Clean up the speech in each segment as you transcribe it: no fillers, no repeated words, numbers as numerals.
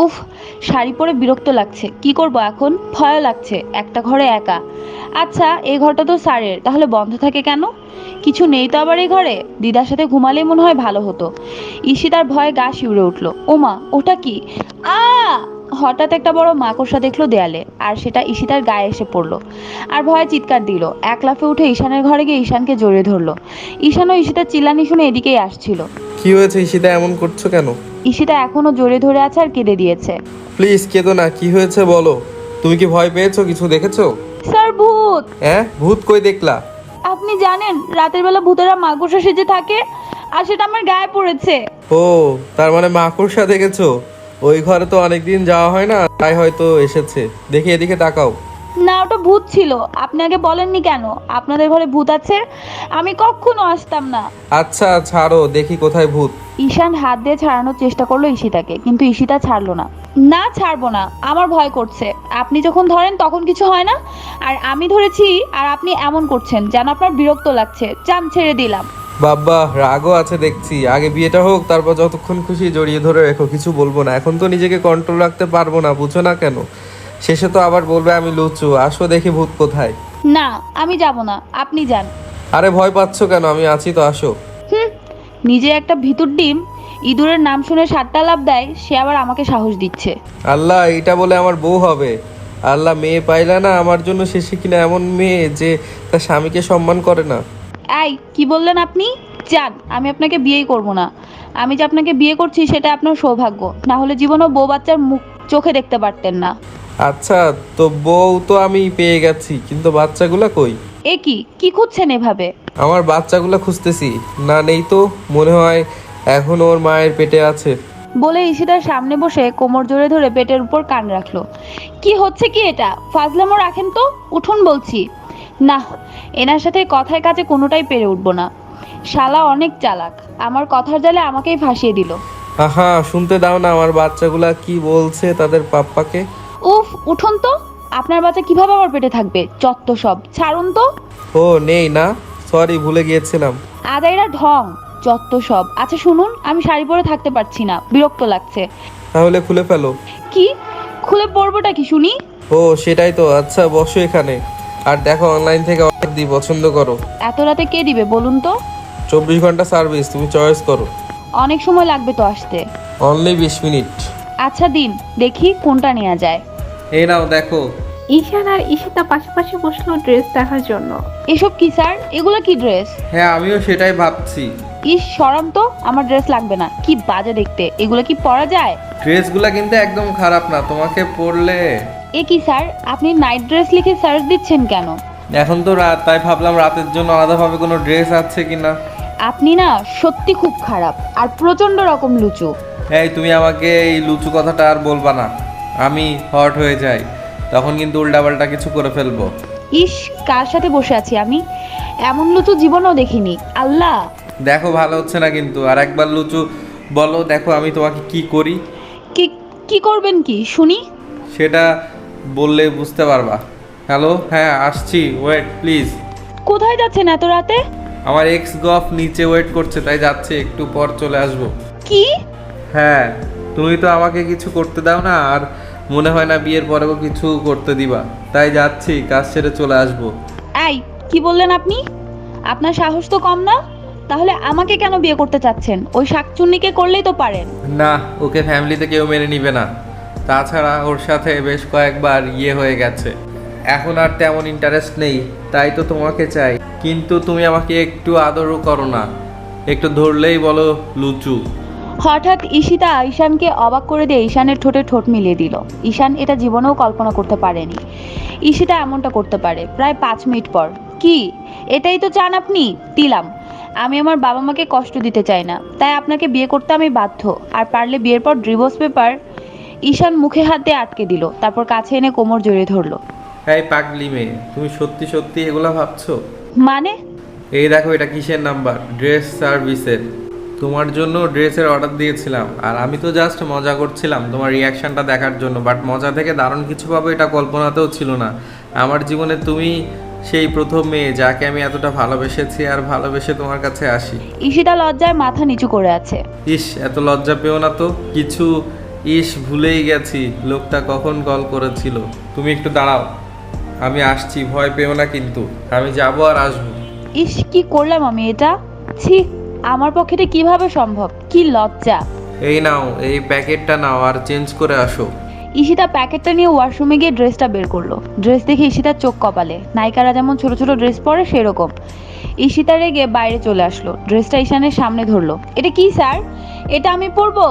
উফ, শাড়ি পরে বিরক্ত লাগছে, কি করব এখন, ভয় লাগছে, একটা ঘরে একা। আচ্ছা, এই ঘরটা তো স্যারের, তাহলে বন্ধ থাকে কেন? কিছু নেই তো আবার এই ঘরে? দিদার সাথে ঘুমালেই মনে হয় ভালো হতো। ঈশিতার ভয়ে গা শিউরে উঠল। ওমা, ওটা কি? আ হঠাৎ একটা বড় মাকড়সা দেখলো দেয়ালে, আর সেটা ঈশিতার গায়ে এসে পড়লো। আর ভয়ে চিৎকার দিল। এক লাফে উঠে ঈশানের ঘরে গিয়ে ঈশানকে জড়িয়ে ধরলো। ঈশানও ঈশিতার চিল্লানি শুনে এদিকেই আসছিল। কি হয়েছে ঈশিতা, এমন করছো কেন? ঈশিতা এখনো জড়িয়ে ধরে আছে আর কেঁদে দিয়েছে। প্লিজ কেঁদো না, কি হয়েছে বলো। তুমি কি ভয় পেয়েছো, কিছু দেখেছো? স্যার, ভূত! হ্যাঁ, ভূত কই দেখলা? আপনি জানেন রাতের বেলা ভূতেরা মাকড়সা সেজে থাকে, আর সেটা আমার গায়ে পড়েছে। ও, তার মানে মাকড়সা দেখেছো? ওই ঘরে তো অনেকদিন যাওয়া হয় না, তাই হয়তো এসেছে। দেখি এদিকে তাকাও। না, ওটা ভূত ছিল। আপনি আগে বলেননি কেন আপনাদের ঘরে ভূত আছে? আমি কখনো আসতাম না। আচ্ছা ছাড়ো, দেখি কোথায় ভূত। ঈশান হাত দিয়ে ছাড়ানোর চেষ্টা করলো ঈশিতাকে, কিন্তু ঈশিতা ছাড়লো না। না, ছাড়বো না, আমার ভয় করছে। আপনি যখন ধরেন তখন কিছু হয় না, আর আমি ধরেছি আর আপনি এমন করছেন যেন আপনার বিরক্ত লাগছে। চান, ছেড়ে দিলাম। বাবা, রাগও আছে দেখছি। আগে বিয়েটা হোক, তারপর যতক্ষণ খুশি জড়িয়ে ধরে রেখো, কিছু বলবো না। এখন তো নিজেকে কন্ট্রোল রাখতে পারবো না, বুঝো না কেন? শেষে তো আবার বলবে আমি লুচু। আসো দেখি ভূত কোথায়। না, আমি যাব না, আপনি যান। আরে ভয় পাচ্ছো কেন, আমি আছি তো, আসো। হুম, নিজে একটা ভিতুর ডিম, ইঁদুরের নাম শুনে 7টা লাফ দেয়, সে আবার আমাকে সাহস দিচ্ছে। আল্লাহ, এটা বলে আমার বউ হবে? আল্লাহ, মেয়ে পাইলা না আমার জন্য, শেষে কিনা এমন মেয়ে যে তার স্বামীকে সম্মান করে না। এই, কি বললেন আপনি? যান, আমি আপনাকে বিয়েই করব না। আমি যে আপনাকে বিয়ে করছি সেটা আপনার সৌভাগ্য, না হলে জীবনেও বউ বাচ্চার মুখ চোখে দেখতে পারতেন না। আচ্ছা, তো বউ তো আমি পেয়ে গেছি, কিন্তু বাচ্চাগুলা কই? এ কি কি খুঁজছেন এভাবে? আমার বাচ্চাগুলা খুঁজতেছি। না, নেই তো, মনে হয় এখন ওর মায়ের পেটে আছে। বলে ঈশিতার সামনে বসে কোমর জোরে ধরে পেটের উপর কান রাখলো। কি হচ্ছে কি এটা? ফাজলামো রাখেন তো, উঠুন বলছি। না, এনার সাথে কথায় কাজে কোনোটাই পেরে উঠবো না। শালা অনেক চালাক, আমার কথার জালে আমাকেই ফাঁসিয়ে দিল। আহা, শুনতে দাও না আমার বাচ্চাগুলা কি বলছে তাদের পাপ্পাকে। উফ, উঠুন তো। আপনার বাচ্চা কিভাবে আমার পেটে থাকবে? চত্ব সব, ছাড়ুন তো। ও নেই না, সরি, ভুলে গিয়েছিলাম। আদাইরা ঢং, চত্ব সব। আচ্ছা শুনুন, আমি শাড়ি পরে থাকতে পারছি না, বিরক্ত লাগছে। তাহলে খুলে ফেলো। কি? খুলে পরবোটা কি শুনি? ও সেটাই তো। আচ্ছা বসো এখানে, আর দেখো অনলাইন থেকে অর্ডার দিই, পছন্দ করো। এত রাতে কে দিবে বলুন তো? 24 ঘন্টা সার্ভিস, তুমি চয়েস করো। অনেক সময় লাগবে তো আসতে। Only 20 minute. আচ্ছা দিন, দেখি কোনটা নেওয়া যায়। এই নাও দেখো। ঈশান আর ঈশিতা পাশাপাশি বসলো ড্রেস দেখার জন্য। এসব কি স্যার? এগুলো কি ড্রেস? হ্যাঁ, আমিও সেটাই ভাবছি। ইস, সরাম তো, আমার ড্রেস লাগবে না, কি বাজে দেখতে। এগুলো কি পরা যায়? ড্রেসগুলা কিন্তু একদম খারাপ না, তোমাকে পরলে। এ কি স্যার, আপনি নাইট ড্রেস লিখে সার্চ দিচ্ছেন কেন? এখন তো রাত, তাই ভাবলাম রাতের জন্য আলাদাভাবে কোনো ড্রেস আছে কিনা। আপনি না সত্যি খুব খারাপ, আর প্রচন্ড রকম লুচু। এই তুমি আমাকে এই লুচু কথাটা আর বলবা না। আমি হট হয়ে যাই, তখন কিন্তু উল্টাপাল্টা কিছু করে ফেলবো। ইস, কার সাথে বসে আছি আমি? এমন লুচু জীবনেও দেখিনি। আল্লাহ! দেখো ভালো হচ্ছে না কিন্তু, আর একবার লুচু বলো, দেখো আমি তোমাকে কি করি। কি? কি করবেন কি শুনি? সেটা বললে বুঝতে পারবা। হ্যালো, হ্যাঁ আসছি, ওয়েট প্লিজ। কোথায় যাচ্ছেন এত রাতে? আমার এক্স গফ নিচে ওয়েট করছে, তাই যাচ্ছে, একটু পর চলে আসবো। কি? হ্যাঁ, তুমি তো আমাকে কিছু করতে দাও না, আর মনে হয় না বিয়ের পরেও কিছু করতে দিবা, তাই যাচ্ছি, কাজ ছেড়ে চলে আসবো। এই, কি বললেন আপনি? আপনার সাহস তো কম না? তাহলে আমাকে কেন বিয়ে করতে চাচ্ছেন? ওই শাকচুন্নিকে করলেই তো পারেন। না, ওকে ফ্যামিলিতে কেউ মেনে নিবে না। তাছাড়া ওর সাথে বেশ কয়েকবার ইয়ে হয়ে গেছে, এখন আর তেমন ইন্টারেস্ট নেই, তাই তো তোমাকে চাই। কিন্তু তুমি আমাকে একটু আদরও করো না, একটু ধরলেই বলো লুচু। হঠাৎ ঈশিতা ঈশানকে অবাক করে দিয়ে ঈশানের ঠোঁটে ঠোঁট মিলিয়ে দিল। ঈশান এটা জীবনেও কল্পনা করতে পারেনি ঈশিতা এমনটা করতে পারে। প্রায় 5 মিনিট পর, কি এটাই তো চান আপনি? দিলাম। আমি আমার বাবা মাকে কষ্ট দিতে চাই না, তাই আপনাকে বিয়ে করতে আমি বাধ্য। আর পারলে বিয়ের পর ডিভোর্স পেপার। ঈশান মুখে হাত দিয়ে আটকে দিল, তারপর কাছে এনে কোমর জড়িয়ে ধরলো। এই পাগলি মেয়ে, তুমি সত্যি সত্যি এগুলা ভাবছো? মানে? এই দেখো, এটা কিসের নাম্বার? ড্রেস সার্ভিসের। তোমার জন্য ড্রেসের অর্ডার দিয়েছিলাম, আর আমি তো জাস্ট মজা করছিলাম তোমার রিয়াকশনটা দেখার জন্য, বাট মজা থেকে দারুণ কিছু পাবো এটা কল্পনাতেও ছিল না। আমার জীবনে তুমি সেই প্রথম মেয়ে যাকে আমি এতটা ভালোবেসেছি, আর ভালোবেসে তোমার কাছে আসি। ঈশিতা লজ্জায় মাথা নিচু করে আছে। ইস, এত লজ্জা পেও না তো, কিছু ইস, ভুলেই গেছি লোকটা কখন কল করেছিল। তুমি একটু দাঁড়াও, আমি আসছি, ভয় পেও না কিন্তু। আমি যাবো আর আসবো। ইস, কি করলাম আমি এটা! ছি, আমার পক্ষে এটা কিভাবে সম্ভব! কি লজ্জা! এই নাও, এই প্যাকেটটা নাও আর চেঞ্জ করে আসো। ঈশিতা প্যাকেটটা নিয়ে ওয়াশরুমে গিয়ে ড্রেসটা বের করলো। ড্রেস দেখে ঈশিতার চোখ কপালে। নায়িকারা যেমন ছোট ছোট ড্রেস পরে সেরকম। ঈশিতা রেগে বাইরে চলে আসলো, ড্রেসটা ঈশানের সামনে ধরলো। এটা কি স্যার? এটা আমি পরবো?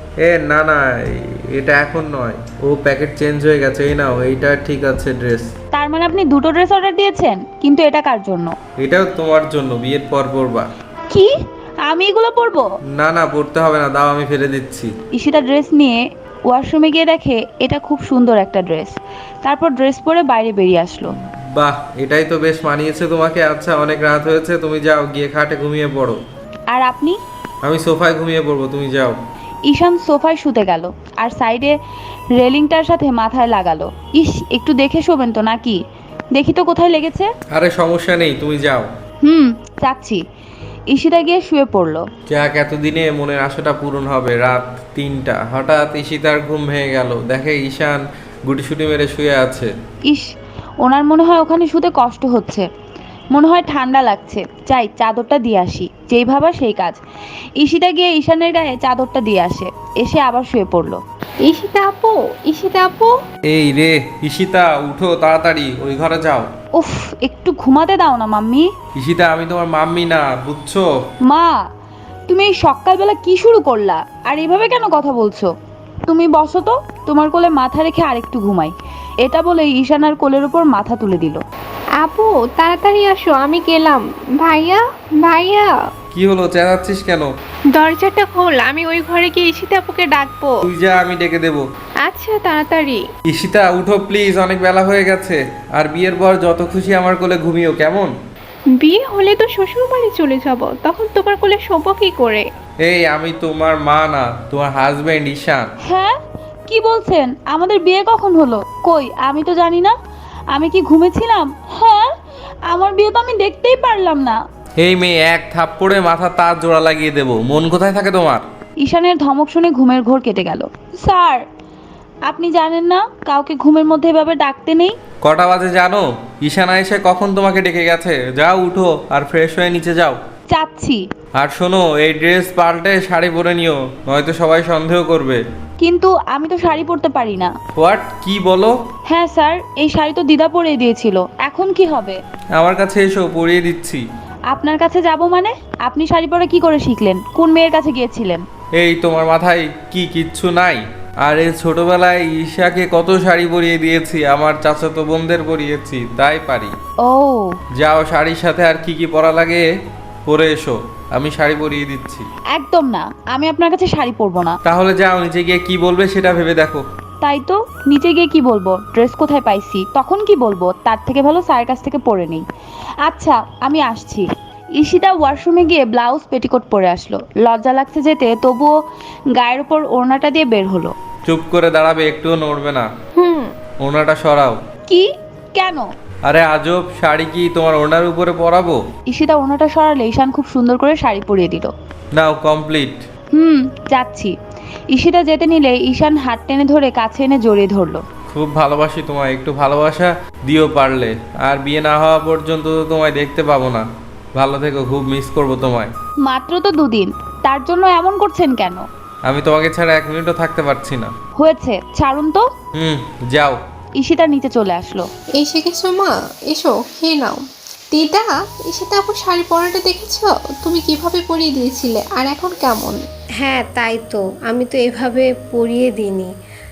না না, এটা এখন নয়, ও প্যাকেট চেঞ্জ হয়ে গেছে। এই নাও, এইটা ঠিক আছে ড্রেস। তার মানে আপনি দুটো ড্রেস অর্ডার দিয়েছেন? কিন্তু এটা কার জন্য? এটাও তোমার জন্য, বিয়ের পর পরবা। কি? আমি এগুলো পরবো? না না, পরতে হবে না, দাও আমি ফেলে দিচ্ছি। ঈশিতা ড্রেস নিয়ে ওয়াশরুমে গিয়ে দেখে এটা খুব সুন্দর একটা ড্রেস। তারপর ড্রেস পরে বাইরে বেরিয়ে আসলো। বাহ, এটাই তো বেশ মানিয়েছে তোমাকে। আচ্ছা, অনেক রাত হয়েছে, তুমি যাও গিয়ে খাটে ঘুমিয়ে পড়ো। আর আপনি? আমি সোফায় ঘুমিয়ে পড়বো, তুমি যাও। ঈশান সোফায় শুতে গেল আর সাইডে রেলিংটার সাথে মাথায় লাগালো। ইস, একটু দেখে শোবেন তো নাকি? দেখি তো কোথায় লেগেছে। আরে সমস্যা নেই, তুমি যাও। যাচ্ছি। ঈশিতা গিয়ে শুয়ে পড়লো। যাক, এতদিনে মনের আশাটা পূরণ হবে। রাত 3টা, হঠাৎ ঈশিতার ঘুম ভেঙে গেল। দেখে ঈশান গুটিসুটি মেরে শুয়ে আছে। ইস, ওনার মনে হয় ওখানে শুতে কষ্ট হচ্ছে, মনে হয় ঠান্ডা লাগছে। যাই, চাদরটা দিয়ে আসি। যেই ভাবা সেই কাজ। ঈশিতা গিয়ে ঈশানের গায়ে চাদরটা দিয়ে আসে, এসে আবার শুয়ে পড়লো। ঈশিতা আপু, ঈশিতা আপু। এই রে ঈশিতা, উঠো তাড়াতাড়ি, ওই ঘরে যাও। উফ, একটু ঘুমাতে দাও না মাম্মি। ঈশিতা, আমি তোমার মাম্মি না, বুঝছো? মা, তুমি এই সকালবেলা কি শুরু করলা? আর এভাবে কেন কথা বলছো? তুমি বসো তো, তোমার কোলে মাথা রেখে আরেকটু ঘুমাই। এটা বলে ঈশানার কোলের উপর মাথা তুলে দিল। আপু তাড়াতাড়ি আসো, আমি গেলাম। ভাইয়া, ভাইয়া। কি হলো, চেঁচাচ্ছিস কেন? দরজাটা খোল, আমি ওই ঘরে গিয়ে ঈশিতা আপুকে ডাকবো। তুই যা, আমি ডেকে দেবো। আচ্ছা তাড়াতাড়ি। ঈশিতা, উঠো প্লিজ, অনেক বেলা হয়ে গেছে। আর বিয়ের পর যত খুশি আমার কোলে ঘুমিও, কেমন? বিয়ে হলে তো শ্বশুর বাড়ি চলে যাব, তখন তোমার কোলে শোবো কি করে? এই, আমি তোমার মা না, তোমার হাজবেন্ড ঈশান। হ্যাঁ, কি বলছেন? আমাদের বিয়ে কখন হলো? কই, আমি তো জানি না। আমি কি ঘুমেছিলাম? হ্যাঁ, আমার বিয়ে তো আমি দেখতেই পারলাম না। এই মেয়ে, এক থাপ্পড়ে মাথা তার জোড়া লাগিয়ে দেবো। মন কোথায় থাকে তোমার? ঈশানের ধমক শুনে ঘুমের ঘোর কেটে গেল। স্যার, আপনি জানেন না কাউকে ঘুমের মধ্যে এভাবে ডাকতে নেই? কটা বাজে জানো? ঈশানা এসে কখন তোমাকে ডেকে গেছে। যাও, উঠো আর ফ্রেশ হয়ে নিচে যাও। যাচ্ছি। আর শোনো, এই ড্রেস পাল্টে শাড়ি পরে নিও, নয়তো সবাই সন্দেহ করবে। কিন্তু আমি তো শাড়ি পরতে পারি না। হোয়াট, কি বলো? হ্যাঁ স্যার, এই শাড়ি তো দিদা পরিয়ে দিয়েছিল। এখন কি হবে? আমার কাছে এসো, পরিয়ে দিচ্ছি। আপনার কাছে যাব মানে? আপনি শাড়ি পরা কি করে শিখলেন? কোন মেয়ের কাছে গিয়েছিলেন? এই, তোমার মাথায় কি কিচ্ছু নাই? আর এই ছোটবেলায় ঈশাকে কত শাড়ি পরিয়ে দিয়েছি, আমার চাচাতো বোনদের পরিয়েছি, তাই পারি। ও, যাও, শাড়ির সাথে আর কি কি পরা লাগে পরে এসো, আমি শাড়ি পরিয়ে দিচ্ছি। একদম না, আমি আপনার কাছে শাড়ি পরবো না। তাহলে যাও, নিচে গিয়ে কি বলবে সেটা ভেবে দেখো। তাই তো, নিচে গিয়ে কি বলবো? ড্রেস কোথায় পাইছি তখন কি বলবো? তার থেকে ভালো স্যারের কাছ থেকে পরে নেই। আচ্ছা, আমি আসছি। ঈশিতা ওয়াশরুমে গিয়ে ব্লাউজ পেটিকোট পরে আসলো। লজ্জা লাগছে যেতে, তবুও গায়ের উপর ওড়নাটা দিয়ে বের হলো। চুপ করে দাঁড়াবে, একটুও নড়বে না। ওড়নাটা সরাও। কি? কেন? আরে আজব, শাড়ি কি তোমার ওড়নার উপরে পরাবো? ঈশিতা ওড়নাটা সরালে ঈশান খুব সুন্দর করে শাড়ি পরিয়ে দিল। নাও, কমপ্লিট। যাচ্ছি। ঈশিতা যেতে নিলে ঈশান হাত টেনে ধরে কাছে এনে জড়িয়ে ধরলো। খুব ভালোবাসি তোমায়, একটু ভালোবাসা দিও পারলে। আর বিয়ে না হওয়া পর্যন্ত তো তোমায় দেখতে পাবো না। ভালো থেকো, খুব মিস করবো তোমায়। মাত্র তো দুদিন, তার জন্য এমন করছেন কেন? আমি তোমাকে ছাড়া 1 মিনিটও থাকতে পারছি না। হয়েছে, ছাড়ুন তো। যাও। ঈশিতা নিচে চলে আসলো। এসে গেছো মা, এসো খেয়ে নাও। দিদা, ঈশিতা আপু শাড়ি পরাটা দেখেছো? তুমি কিভাবে পরিয়ে দিয়েছিলে, আর এখন কেমন? হ্যাঁ তাই তো, আমি তো এভাবে পরিয়ে দিইনি।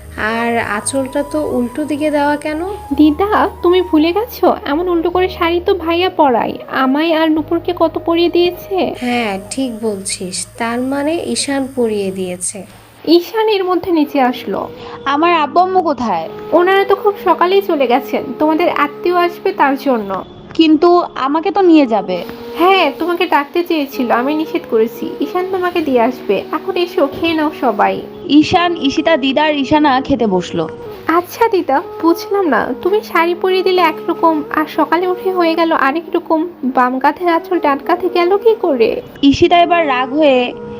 আর আঁচলটা তো উল্টো দিকে দেওয়া কেন? দিদা, তুমি ভুলে গেছো এমন উল্টো করে শাড়ি তো ভাইয়া পরাই, আমায় আর নুপুরকে কত পরিয়ে দিয়েছে। হ্যাঁ ঠিক বলছিস, তার মানে ঈশান পরিয়ে দিয়েছে। ঈশান এর মধ্যে নিচে আসলো। আমার আব্বু আম্মু কোথায়? ওনারা তো খুব সকালেই চলে গেছেন, তোমাদের আত্মীয় আসবে তার জন্য। কিন্তু আমাকে তো নিয়ে যাবে। হ্যাঁ, তোমাকে ডাকতে চেয়েছিল, আমি নিষেধ করেছি। ঈশান তোমাকে দিয়ে আসবে, এখন এসো খেয়ে নাও সবাই। ঈশান, ঈশিতা, দিদা আর ঈশানা খেতে বসলো। আচ্ছা দিদা, বুঝলাম না, তুমি শাড়ি পরিয়ে দিলে একরকম আর সকালে উঠে হয়ে গেল আরেক রকম, বাম কাঁধের আঁচল ডান কাঁধে গেল কি করে? ঈশিতা এবার রাগ হয়ে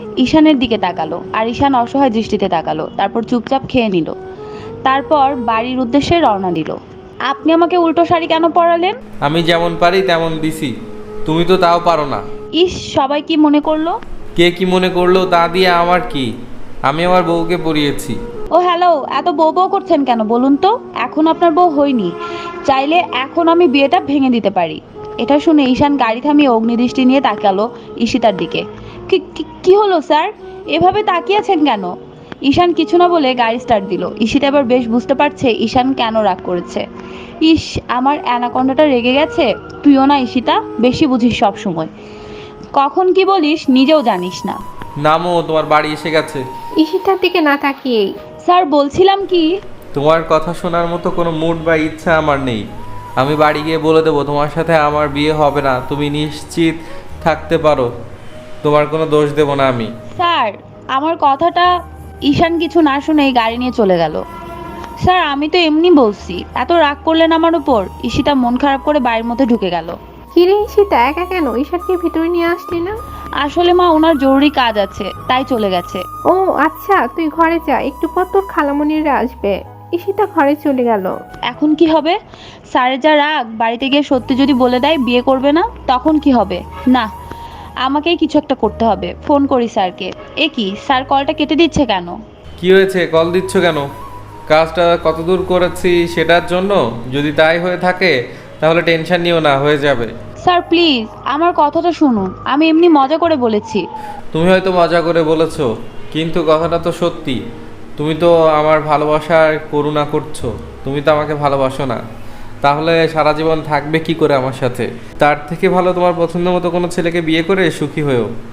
ঈশানের দিকে তাকালো আর ঈশান অসহায় দৃষ্টিতে তাকালো, তারপর চুপচাপ খেয়ে নিল। তারপর বাড়ির উদ্দেশ্যে রওনা দিল। আপনি আমাকে উল্টো শাড়ি কেন পরালেন? আমি যেমন পারি তেমন দিছি, তুমি তো তাও পারো না। ইস, সবাই কি মনে করলো? কে কি মনে করলো তা দিয়ে আমার কি, আমি আমার বউকে পরিয়েছি। ও হ্যালো, এত বউ বউ করছেন কেন বলুন তো? এখন আপনার বউ হয়নি, চাইলে এখন আমি বিয়েটা ভেঙে দিতে পারি। এটা শুনে ঈশান গাড়ি থামিয়ে অগ্নিদৃষ্টি নিয়ে তাকালো ঈশিতার দিকে। কি হলো স্যার, এভাবে তাকিয়েছেন কেন? ঈশান কিছু না বলে গাড়ি স্টার্ট দিল। ঈশিতা এবার বেশ বুঝতে পারছে ঈশান কেন রাগ করেছে। ইস, আমার অ্যানাকন্ডাটা রেগে গেছে। তুইও না ঈশিতা, বেশি বুঝিস সব সময়, কখন কি বলিস নিজেও জানিস না। নামো, তোমার বাড়ি এসে গেছে। ঈশিতার দিকে না তাকিয়েই, স্যার বলছিলাম কি, তোমার কথা শোনার মতো কোনো মুড বা ইচ্ছা আমার নেই। আমি বাড়ি গিয়ে বলে দেবো তোমার সাথে আমার বিয়ে হবে না, তুমি নিশ্চিত থাকতে পারো, তোমার কোনো দোষ দেব না আমি। স্যার আমার কথাটা। ঈশান কিছু না শুনেই গাড়ি নিয়ে চলে গেল। স্যার আমি তো এমনি বলছি, এত রাগ করলেন আমার উপর। ঈশিতা মন খারাপ করে বাড়ির মধ্যে ঢুকে গেল। কিরে ঈশিতা, একা কেন? ঈশানকে ভিতরে নিয়ে আসলি না? আসলে মা, ওনার জরুরি কাজ আছে তাই চলে গেছে। ও আচ্ছা, তুই ঘরে যা, একটু পর তোর খালামণিরা আসবে। ঈশিতা ঘরে চলে গেল। এখন কি হবে? স্যারের যা রাগ, বাড়িতে গিয়ে সত্যি যদি বলে দেয় বিয়ে করবে না, তখন কি হবে? না, আমাকেই কিছু একটা করতে হবে। ফোন করি স্যারকে। এ কি, স্যার কলটা কেটে দিচ্ছে কেন? কি হয়েছে, কল দিচ্ছ কেন? কাজটা কতদূর করেছি সেটার জন্য? যদি তাই হয়ে থাকে তাহলে টেনশন নিও না, হয়ে যাবে। স্যার প্লিজ আমার কথাটা শুনুন, আমি এমনি মজা করে বলেছি। তুমি হয়তো মজা করে বলেছো, কিন্তু কথাটা তো সত্যি। তুমি তো আমার ভালোবাসার করুণা করছো, তুমি তো আমাকে ভালোবাসো না, তাহলে সারা জীবন থাকবে কি করে আমার সাথে? তার থেকে ভালো তোমার পছন্দ মতো কোনো ছেলেকে বিয়ে করে সুখী হয়েও।